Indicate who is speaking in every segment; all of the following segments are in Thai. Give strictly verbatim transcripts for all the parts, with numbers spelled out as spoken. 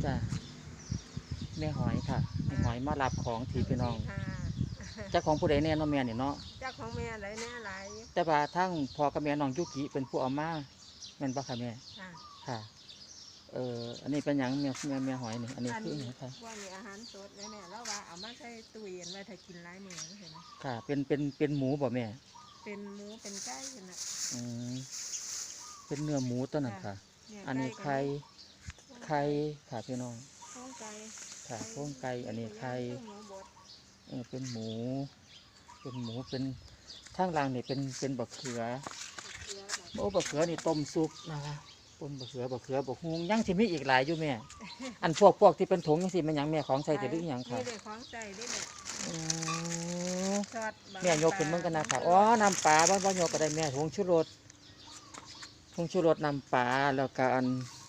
Speaker 1: จ้ะแม่หอยค่ะแม่หอยมารับของที่พี่น้องเจ้าของผู้ใดแน่น้องแม่เนี่ยเนาะ
Speaker 2: เจ้าของแม่อะไรแน่อะไร
Speaker 1: แต่ว่าทั้งพ่อกับแม่น้องยุกิเป็นผู้เอามาแม่นบ่ค่ะแม่ค่ะเอ่ออันนี้เป็นหยังแม่แม่แม่หอยนี่อันนี้คือหยังค่ะ
Speaker 2: ว่ามีอาหารสดแม่แล้วว่าเอามาใส่ตู้เย็นไว้ถ้ากินหลายมื้อเห็นไหม
Speaker 1: ค่ะเป็นเป็นเป็นหมูบ่แม่
Speaker 2: เป็นหมูเป็นไก่น่ะ
Speaker 1: อืมเป็นเนื้อหมูตัวนั้นค่ะอันนี้ไข่ไข่ค่ะพี่น้อง
Speaker 2: โครงไก่
Speaker 1: ค่ะโครงไก่อันนี้ไข่เออเป็นหมูเป็นหมูเป็นทางล่างนี่เป็นเป็นบักเขือโอ้บักเขือนี่ต้มซุปนะคะต้มบักเขือบักเขือบักฮุงยังสิมีอีกหลายอยู่แม่อันพวกพวกที่เป็นถุงยังสิมันยังแม่ของใส่แต่หรือยังค่ะ
Speaker 2: มีแต่ของใส่ได้แม่
Speaker 1: แม่โยกขึ้นมึงกันนะค่ะอ๋อน้ำปลาบ้านบ้านโยกก็ได้แม่ผงชูรสผงชูรสน้ำปลาแล้วก็อัน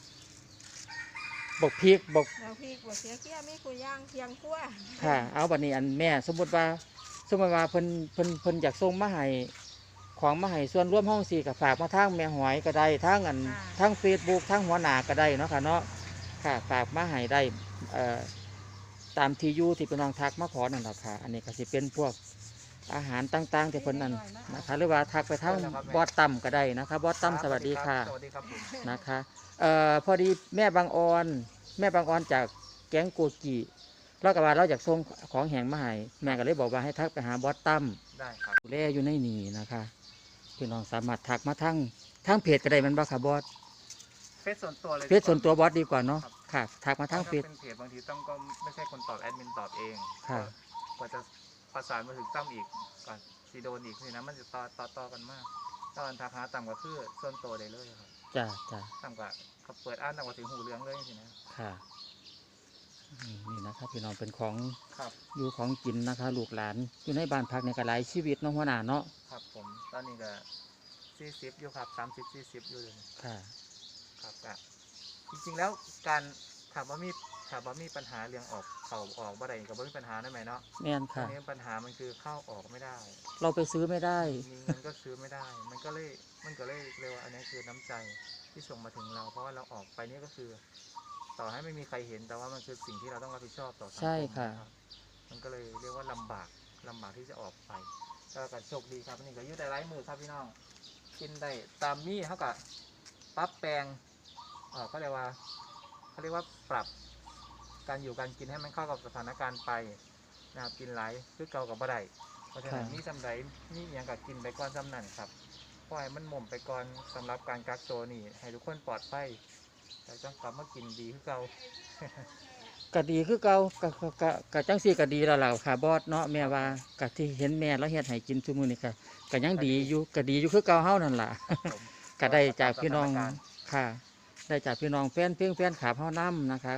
Speaker 1: บกพริกบก
Speaker 2: เราพริกบกเสียเกี้ยไม่คุยย่างเคียงคั่ว
Speaker 1: ค่ะเอาบัดนี้อันแม่สมมติว่าสมมติว่าเพิ่นเพิ่นเพิ่นอยากส่งมาให้ของมาให้ส่วนร่วมห้องสี่กับฝากมาทางแม่หอยก็ได้ทางอันทางเฟซบุ๊กทางหัวหน้าก็ได้เนาะค่ะเนาะค่ะฝากมาให้ได้เอ่อตามที่อยู่ที่เป็นน้องทักมาขอนั่นแหละค่ะอันนี้ก็สิเป็นพวกอาหารต่างๆที่เพิ่นนั่นนะคะหรือว่าทักไปทางบอสตั้มก็ได้นะคะบอสตั้มสวัสดีค่ะนะคะเอ่อพอดีแม่บางออนแม่บางออนจากแก๊งโกกีเราก็ว่าเราอยากส่งของแห้งมาให้แม่ก็เลยบอกว่าให้ทักไปหาบอสตั้ม
Speaker 3: ได้ครับ
Speaker 1: ดูแลอยู่ในนี่นะคะพี่น้องสามารถทักมาทั้งทั้งเพจก็ได้มันบ่ค่ะบอส
Speaker 3: เฟซส่วนตัวเลย
Speaker 1: เพจส่วนตัวบอสดีกว่าเนาะค่ะทักมาทั้งเฟซ
Speaker 3: เป็นเพจบางทีต้องก็ไม่ใช่คนตอบแอดมินตอบเอง
Speaker 1: ค่ะ
Speaker 3: กว่าจะประสานมาถึงตั้มอีกก่อนซีโดนอีกนี่นะมันจะต่อต่อต่อกันมากตอนทักหาต่ำกว่าคือส่วนตัวได้เลยครับ
Speaker 1: จ้าจ้า
Speaker 3: ต่ำกว่าเขาเปิดอ่านต่ำกว่าถึงหูเรื่องเลยสินะ
Speaker 1: ค่ะนี่นะครับพี่น้องเป็นของ
Speaker 3: ครับ
Speaker 1: อยู่ของกินนะคะลูกหลานอยู่ในบ้านพักในกระไรชีวิตน้องหัวหน้าเนาะ
Speaker 3: ครับผมตอนนี้ก็สี่สิบอยู่ครับสามสิบสี่สิบอยู่เลย
Speaker 1: ค่ะ
Speaker 3: ครับก็จริงๆแล้วการถามว่ามีถามว่ามีปัญหาเรื่องออกเข่าออกบ่ได้กับว่ามีปัญหาได้ไหมเนาะ
Speaker 1: แม่นค่ะ
Speaker 3: นี้ปัญหามันคือเข้าออกไม่ได้
Speaker 1: เราไปซื้อไม่ได้
Speaker 3: มีเงินก็ซื้อไม่ได้มันก็เลยมันก็เลยเรียกว่าอันนี้คือน้ำใจที่ส่งมาถึงเราเพราะว่าเราออกไปนี่ก็คือต่อให้ไม่มีใครเห็นแต่ว่ามันคือสิ่งที่เราต้องรับผิดชอบต่อสังคม
Speaker 1: ใช่ค่ะ
Speaker 3: มันก็เลยเรียกว่าลำบากลำบากที่จะออกไปก็การโชคดีครับนี่ก็ยืดได้ไร้มือครับพี่น้องกินได้ตามมีเขากับปรับแปลงเออเขาเรียกว่าเขาเรียกว่าปรับการอยู่การกินให้มันเข้ากับสถานการณ์ไปนะครับกินหลายคือเก่ากับบ่ได้เพราะฉะนั้นมีจำไรมีอย่างกับกินไปก่อนจำนั่นครับปล่อยมันหม่มไปก่อนสำหรับการกักตัวนี่ให้ทุกคนปลอดภัยแต่ต้องกลับมากินดีคือเก่า
Speaker 1: ก็ดีคือเก่ากะกะกะจังซี่ก็ดีแล้วล่ะค่ะบอสเนาะแม่ว่ากะที่เห็นแม่แล้วเฮ็ดให้กินซุมื้อนี้ก็ก็ยังดีอยู่ก็ดีอยู่คือเก่าเฮานั่นล่ะก็ได้จากพี่น้องค่ะได้จากพี่น้องแฟนเพียงแฟนขาเฮานำนะคะ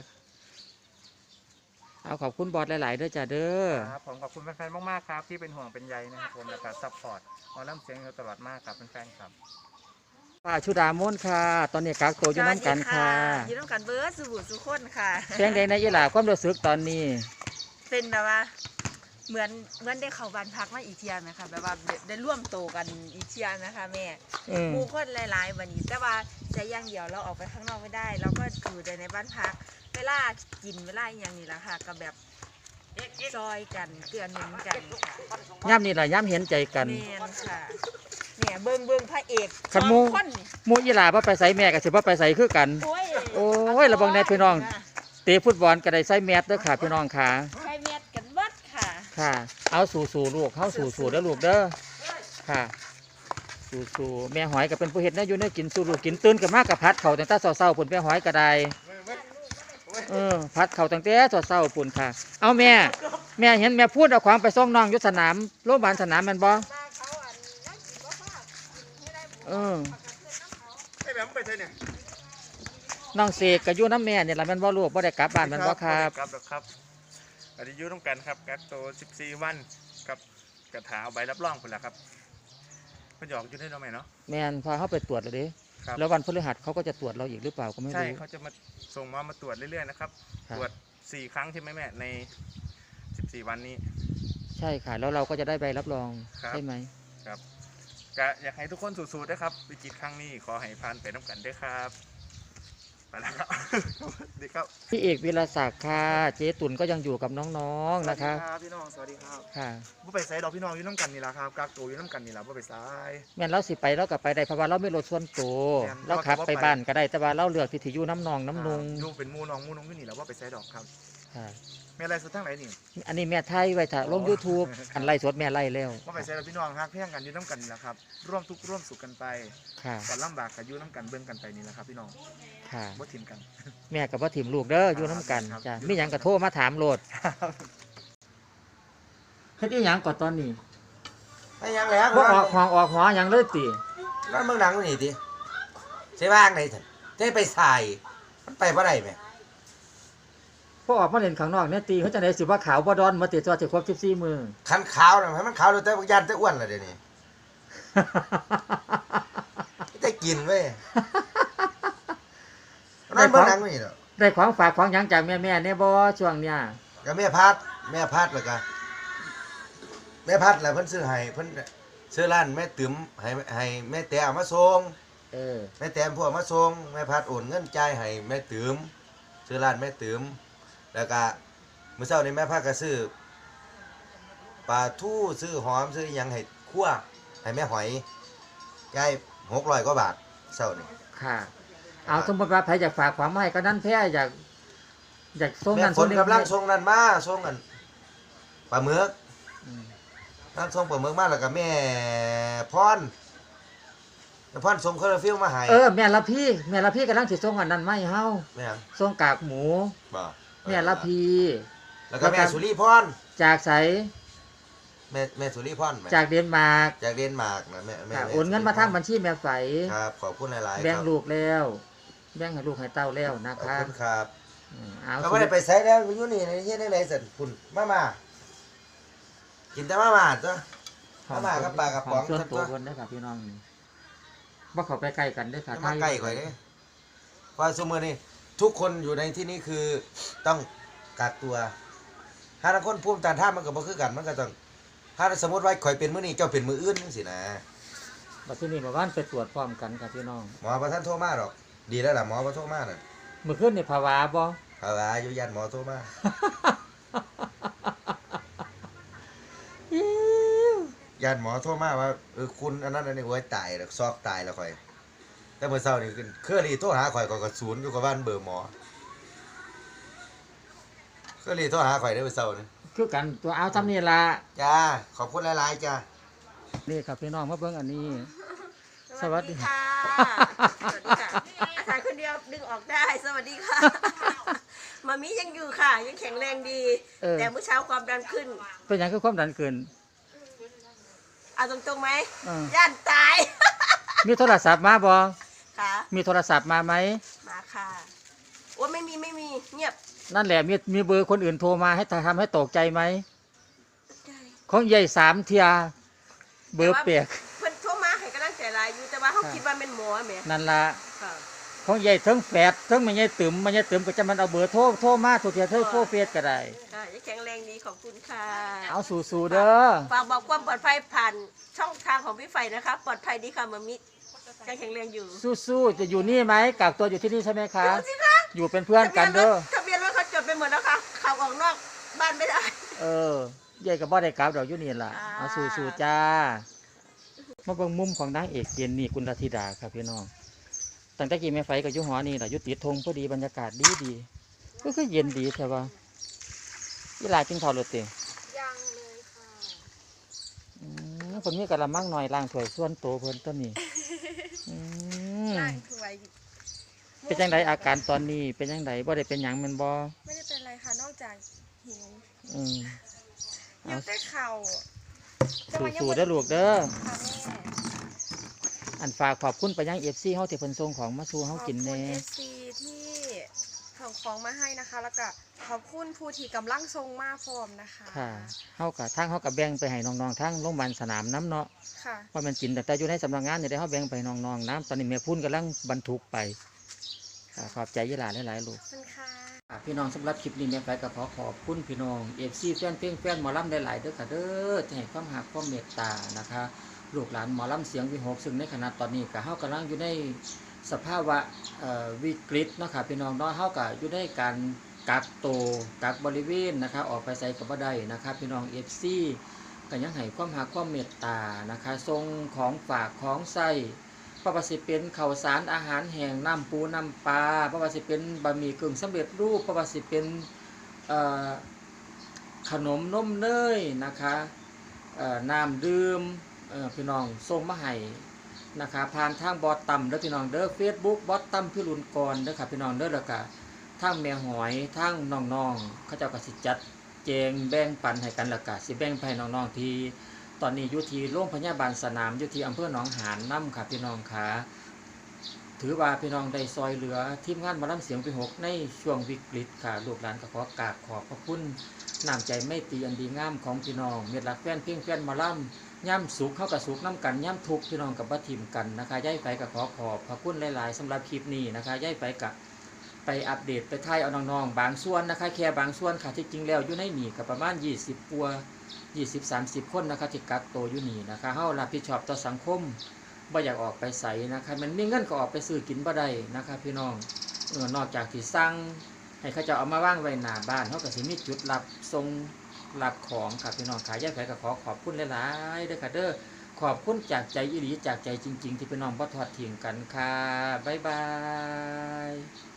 Speaker 1: เอาขอบคุณบอสหลายๆด้วยจ้ะเด้อ
Speaker 3: ครับผมขอบคุณแฟนๆมากๆครับที่เป็นห่วงเป็นใยนะครับผมและก็ซัพพอร์ตมาล่ำเสียงเราตลอดมากครับแฟนๆครับ
Speaker 1: ป้าชุดามนค่ะตอนนี้กักตัวอยู่น้ำกันค่ะ
Speaker 2: อยู่น้ำกันเบิร์ดสุบุสุคนค่ะ
Speaker 1: เพียงใดในยีหลาความรู้สึกตอนนี้
Speaker 2: เป็นแบบว่าเหมือนเหมือนได้เข้าบ้านพักมาอีกเทียนนะคะแบบว่าได้ร่วมโตกันอีกเทียนนะคะแม่หมู่คนหลายๆวันนี้แต่ว่าใจย่างเดียวเราออกไปข้างนอกไม่ได้เราก็อยู่แต่ในบ้านพักเวลากินเวลาอย่างนี้แหละค่ะก็แบบซอยกันเกลือหนุนกัน
Speaker 1: ย่ำนี่แหละย่ำเห็นใจกัน
Speaker 2: แม่นค่ะเนี่ยเบิ้งเบิ้งพระเอก
Speaker 1: ขันมูมูยีหลาพ่อไปใส่แม่กับสิพ่อไปใส่คือกันโอ้ยระวังในพี่น้องเตะฟุตบอลก็ได้ใส่แมสด้วยค่ะพี่น้องค่ะ
Speaker 2: ใส่แมสกันวัดค่ะ
Speaker 1: ค่ะเอาสู่สู่ลูกเข้าสู่สู่แล้วลูกเด้อค่ะสู่สู่แม่หอยก็เป็นผู้เห็ดนะอยู่เนี่ยกินสู่ลูกกินตื่นกับมากกับพัดเข่าตั้งแต่เศร้าๆปุ่นแม่หอยก็ได้เออพัดเข่าตั้งแต่เศร้าๆปุ่นค่ะเอาแม่แม่เห็นแม่พูดเอาความไปส่งน้องยุทธสนามโรงพยาบาลสนามมันบ่เออ
Speaker 3: ไอ้แบบไปเถอะเนี่ย
Speaker 1: น้องเสกกับยูน้ำแม่เนี่ยแหละมันบ่ลูกบ่ได้กลับบ้านมันบ่ครับ
Speaker 3: ครับครับอันนี้ยูต้องกันครับกักตัวสิบสี่วันกับกระถาเอาใบรับรองคนละครับมันหยอกอยู่ได้เราไหมเนาะ
Speaker 1: แม่นพาเขาไปตรวจเลยดิแล้ววันพฤหัสเขาก็จะตรวจเราอีกหรือเปล่าก็ไม่รู้
Speaker 3: ใช่เขาจะมาส่งมามาตรวจเรื่อยๆนะครับตรวจสี่ครั้งใช่ไหมแม่ในสิบสี่วันนี้
Speaker 1: ใช่ค่ะแล้วเราก็จะได้ใบรับรองใช่ไหม
Speaker 3: ครับก็อยากให้ทุกคนสู้ๆด้วยครับวิกฤตครั้งนี้ขอให้ผ่านไปน้ำกันด้วยครับไปแล้วครับดีครับ
Speaker 4: ครับ
Speaker 1: พี่เอกวิรศักดิ์ค่ะเจ๊ตุ่นก็ยังอยู่กับน้องๆนะคะ
Speaker 4: สวัสดีครับพี่น้องสวัสดีครับ
Speaker 1: ค่ะ
Speaker 4: บ่ไปไสดอกพี่น้องอยู่น้ำกันนี่ล่ะครับกักตัวอยู่น้ำกันนี่ล่ะบ่ไปไส
Speaker 1: แม่นเราสิไปเราก็ไปได้เพราะว่าเราไม่รถส่วนตัว
Speaker 4: แม่น
Speaker 1: เราขับ
Speaker 4: เราก็บ่
Speaker 1: ไป
Speaker 4: ไป
Speaker 1: บ้านก็ได้แต่ว่าเราเลือกที่ที่อยู่น้ำนองน้ำนุง
Speaker 4: อยู่เป็นหมู่น้องหมู่น้องอยู่นี่ล่ะบ่ไปไสดอกครับ
Speaker 1: ค่ะ
Speaker 4: แม่ไรสุดทั้งไหนนี่
Speaker 1: อันนี้แม่ไทยไว้ถ้าลง YouTube อันไล่สดแม่ไล่แล้ว
Speaker 4: บ่ไปไสดอกพี่น้องฮักเพียงกันอยู่น้ำกันนี่ล่ะครับร่วมทุกข์ร่วมสุขกันไป
Speaker 1: ค่ะ
Speaker 4: ก่อนลำบากก็อยู่น้ำกันเบิ่งกันไปนี่ล่ะครับพี่น้อง
Speaker 1: ค่ะ
Speaker 4: บ่ถิ่มกัน
Speaker 1: แม่กับพ่อถิ่มลูกเด้ออยู่น้ำกัน
Speaker 4: ครับ
Speaker 1: จ้ะมีหยังก็โทรมาถามโลดเฮ็ดอีหยังก่อนตอนนี้
Speaker 5: ไม่ยังแล้ว
Speaker 1: บ่ออกห้องออกหอหยังเลยติ
Speaker 5: นั่นเมืองหนังนี่ดิใช่บ้างไหนท่านได้ไปใส่มันไปบ่ได้ไหม
Speaker 1: พอออกมาเล่นข้างนอกเนี่ยตีเขาจะได้สิว่าขาวบ่ดอนมาติดตัวสิครบสิบสี่มื้อ
Speaker 5: คันขาวนะให้มันขาวดูแต่ยันแต่อ้วนเลยเดี๋ยวนี้ได้กินเว้ยนั่นเมืองหนังนี่เนาะ
Speaker 1: ได้ของฝากของหยังจากแม่ๆเนี่ยบ่ช่วงเนี้ย
Speaker 5: ก็แม่พัดแม่พัดแล้วก็แม่พัดแล้วเพิ่นซื้อให้เพิ่นซื้อร้านแม่ติ๋มให้ให้แม่แต่เอามาส่ง
Speaker 1: เออ
Speaker 5: แม่แต้มพวกมาส่งแม่พัดโอนเงินจ่ายให้แม่ติ๋มซื้อร้านแม่ติ๋มแล้วก็มื้อเช้านี้แม่พัดก็ซื้อปลาทูซื้อหอมซื้อหยังให้คั่วให้แม่หอยจ่ายหกร้อยกว่าบาทเช้านี้
Speaker 1: ค่ะ เอาสมมติว่าใครอยากฝากความมาให้ก็นั่นแพ้อยากอยากส่ง
Speaker 5: แม่
Speaker 1: นั่น
Speaker 5: ฝ
Speaker 1: ส่ง
Speaker 5: น
Speaker 1: นี่
Speaker 5: กำลังส่งนั่นมาส่งกันปลาหมึก
Speaker 1: อืม
Speaker 5: นั่นส่งปลาหมึกมาแล้วก็แม่พรแม่พรส่งคาราฟิลมาให้
Speaker 1: เออแม่ละพี่แม่ละพี่กำลังสิส่งอันนั้นมาให้เฮา
Speaker 5: แม่หยัง
Speaker 1: ส่งกากหมู
Speaker 5: บ่
Speaker 1: แม่ละพี่
Speaker 5: แล้วก็แม่สุริพร
Speaker 1: จากไส
Speaker 5: แม่แม่สุริพรแม่
Speaker 1: จากเดนมาร์ก
Speaker 5: จากเดนมาร์กนะแม่แม่
Speaker 1: ค่ะ
Speaker 5: แม่
Speaker 1: โอนเงินมาทางบัญชีแม่ไฝ
Speaker 5: ครับขอบคุณหลายๆ
Speaker 1: แบ่ง
Speaker 5: ครับ
Speaker 1: ลูกแล้วแบ่งให้ลูกให้เต้าแล้วนะ
Speaker 5: ขอบ
Speaker 1: คะ
Speaker 5: คุณครับ
Speaker 1: อืมเอา
Speaker 5: เขาไม่ได้ไปใส่แล้วอยู่นี่ในเฮ็ดได้ไรสันคุณมามากินแต่มามาตัว มาม่ากับปลากระป๋อง
Speaker 1: ส่วนตัว
Speaker 5: ตัว
Speaker 1: คนได้อค่ะพี่น้องนี่บ่เข้าไปใกล้กันเด้อค่ะ
Speaker 5: จะมาใกล้ข่อยเด้เพราะสมมือนี่ทุกคนอยู่ในที่นี้คือต้องกักตัวถ้าทั้งคนภูมิต้านทานมันก็บ่คือกันมันก็ต้องถ้าสมมติว่าข่อยเป็นมื้อนี้เจ้าเป็นมื้ออื่นจังซี่นะ
Speaker 1: บัดนี้เมื่อวานไปตรวจพร้อมกันค่ะพี่น้อง
Speaker 5: หมอบ่ทันโทรมาหรอก ดีแล้วล่ะหมอบ่โทรมาน่ะ
Speaker 1: เมื่อคืนนี่ภาวะบ่
Speaker 5: เอาล่ะอยู่ยันหมอโทรมายันหมอโทรมาว่าเออคุณอันนั้นอันนี้โอ้ยตายแล้วซอกตายแล้วข่อย แต่เมื่อเช้านี่คือเครือรีโทรหาข่อยข่อยก็ศูนย์อยู่กับบ้านเบอร์หมอเครือรีโทรหาข่อยได้เมื่อเช้านี่
Speaker 1: คือกันตัวเอาทำนี่ล่ะ
Speaker 5: จ้าขอบคุณหลายๆจ้า
Speaker 1: นี่ครับพี่น้องมาเบิ่งอันนี้ สวัสดี
Speaker 2: ค่ะสวัสดีค่ะอาจารย์คนเดียวดึงออกได้สวัสดีค่ะมามิยังอยู่ค่ะ ยังแข็งแรงดี
Speaker 1: เออ
Speaker 2: แต่เมื่อเช้าความดันขึ้น
Speaker 1: เป็นหยังคือความดันเกิน
Speaker 2: เอาตรงๆไหม
Speaker 1: เออ
Speaker 2: ย่านตาย
Speaker 1: มีโทรศัพท์มาบ่
Speaker 2: ค่ะ
Speaker 1: มีโทรศัพท์มาไหม
Speaker 2: มาค่ะโอ้ไม่มีไม่มีเงียบ
Speaker 1: นั่นแหละมีมีเบอร์คนอื่นโทรมาให้ทำให้ตกใจไหม
Speaker 2: ใช่
Speaker 1: ของใหญ่สามเทียเบอร์เปียก
Speaker 2: เพิ่นโทรมาให้กำลังใจหลายอยู่แต่ว่าเขา
Speaker 1: ค่ะ
Speaker 2: คิดว่าเป็นหมอแหม
Speaker 1: นั่นละ
Speaker 2: ค่ะ
Speaker 1: ของใหญ่ทั้งแฝดทั้งมันใหญ่ตึมมันใหญ่ตึมก็จะมันเอาเบอร์โทรโทรมาทุกเทียเธอโทรเฟซก็ได้
Speaker 2: ค่ะยังแข็งแรงดีขอบคุณค่ะ
Speaker 1: เอาสู่ๆเด้อ
Speaker 2: ฝากบอกความปลอดภัยผ่านช่องทางของพี่ไฟนะคะ ปลอดภัยดีค่ะมามิยังแข็งแรงอยู่
Speaker 1: สู้ๆจะอยู่นี่ไหมกักตัวอยู่ที่นี่ใช่ไหมคะ
Speaker 2: ดูสิคะ
Speaker 1: อยู่เป็นเพื่อนกันเด้อ
Speaker 2: ทะเบียนรถเขาจดไปหมดแล้วค่ะขับออกนอกบ้านไม่ได้
Speaker 1: เออใหญ่กับบ่ได้กลับดอกอยู่นี่ล่ะ
Speaker 2: อ่า
Speaker 1: เอาสู้ๆจ้ามาเบิ่งมุมของนางเอกเจนนี่กุลธิดาครับพี่น้องตั้งแต่กี้แม่ไฟกับยุหอนี่แหละยุติดธงพอดีบรรยากาศดีดีๆก็คือเย็นดีใช่ปะยี่ลากินข้าวรถเตะ
Speaker 2: ยังเลยค่ะ
Speaker 1: อืมคนมีกระมังหน่อยล้างถ้วยส่วนโตเพิ่นต้นนี้อืม
Speaker 2: ร่างคือไว้
Speaker 1: เป็นจังไดอาการตอนนี้เป็นจังไดบ่ได้เป็นหยังแมันบ่
Speaker 2: ไม่ได้เป็นไรค่ะนอกจากหิว
Speaker 1: อืม
Speaker 2: หิวแต่เข่า
Speaker 1: สู้ๆเด้อลูกเด้อ
Speaker 2: ค่ะแม่
Speaker 1: อันฝากขอบคุณไปยัง เอฟ ซี เฮาที่เพิ่นส่งของมาสู่เฮากินแน่
Speaker 6: ขอบคุณ เอฟ ซี ที่ส่งของมาให้นะคะ แล้วก็ขอบคุณผู้ที่กำลังทรงมาพร้อมนะคะ
Speaker 1: ค่ะเฮาก็ทางเฮาก็แบ่งไปให้น้องๆทางโรงพยาบาลสนามน้ำเนาะ
Speaker 6: ค่ะ
Speaker 1: เพราะมันกินแต่แต่อยู่ในสำนักงานนี่ได้เฮาแบ่งไปน้องๆน้ำตอนนี้แม่พุ่นกำลังบรรทุกไปค่ะขอบใจยี่หลาหลายๆลูก
Speaker 6: ขอบคุณค่ะ
Speaker 1: อ่ะพี่น้องสำหรับคลิปนี้แม่ไปก็ขอขอบคุณพี่น้อง เอฟ ซี แฟนเพลงแฟนหมอลำหลายๆเด้อค่ะเด้อที่ให้ความรักความเมตตานะคะลูกหลานหมอลำเสียงวิหกซึ่งในขณะตอนนี้ก็เฮากำลังอยู่ในสภาวะเอ่อวิกฤตเนาะค่ะพี่น้องเนาะเฮาก็อยู่ในการกักตัวกักบริเวณนะคะออกไปไสก็บ่ได้นะคะพี่น้อง เอฟ ซี ก็ยังให้ความรักความเมตตานะคะส่งของฝากของใช้บ่ว่าสิเป็นข้าวสารอาหารแห้งน้ำปูน้ำปลาบ่ว่าสิเป็นบะหมี่กึ่งสำเร็จรูปบ่ว่าสิเป็นเอ่อขนมนมเนยนะคะเอ่อน้ำดื่มเอ่อพี่น้องส่งมาให้นะคะผ่านทางบอสตั้มเด้อพี่น้องเด้อ Facebook บอสตั้มพิรุณกรเด้อค่ะพี่น้องเด้อแล้วก็ทางแม่หอยทางน้องๆเขาเจ้าก็สิจัดแจงแบ่งปันให้กันแล้วก็สิแบ่งให้น้องๆที่ตอนนี้อยู่ที่โรงพยาบาลสนามอยู่ที่อำเภอหนองหานนำค่ะพี่น้องค่ะถือว่าพี่น้องได้ซอยเหลือทีมงานหมอลำเสียงปีหกในช่วงวิกฤตค่ะลูกหลานก็ขอกราบขอบพระคุณน้ำใจไม่ตรีอันดีงามของพี่น้องเม็ดรักแฟนเพียงแฟนหมอลำย่ำสุขเข้ากับสุขน้ำกันย่ำทุกข์พี่น้องกับบัทิมกันนะคะย้ายไปกับขอขอบพระคุณหลายๆสำหรับคลิปนี้นะคะย้ายไปกับไปอัปเดตไปถ่ายเอาน้องๆบางส่วนนะคะแค่บางส่วนค่ะที่จริงแล้วอยู่ในหนีกับประมาณยี่สิบปัวยี่สิบ สามสิบคนนะคะที่กักตัวอยู่นี่นะคะเฮารับผิดชอบต่อสังคมบ่อยากออกไปใส่นะคะมันมีเงินก็ออกไปซื้อกินบ่ได้นะคะพี่น้องเออนอกจากที่สั่งให้เขาจะเอามาว่างไว้หน้าบ้านเฮาก็สิมีจุดรับส่งรับของค่ะพี่น้องขายย้ายไปกับขอขอบคุณหลายๆเด้อค่ะเด้อขอบคุณจากใจอีหลีจากใจจริงๆที่พี่น้องบ่ทอดทิ้งกันค่ะบ๊ายบาย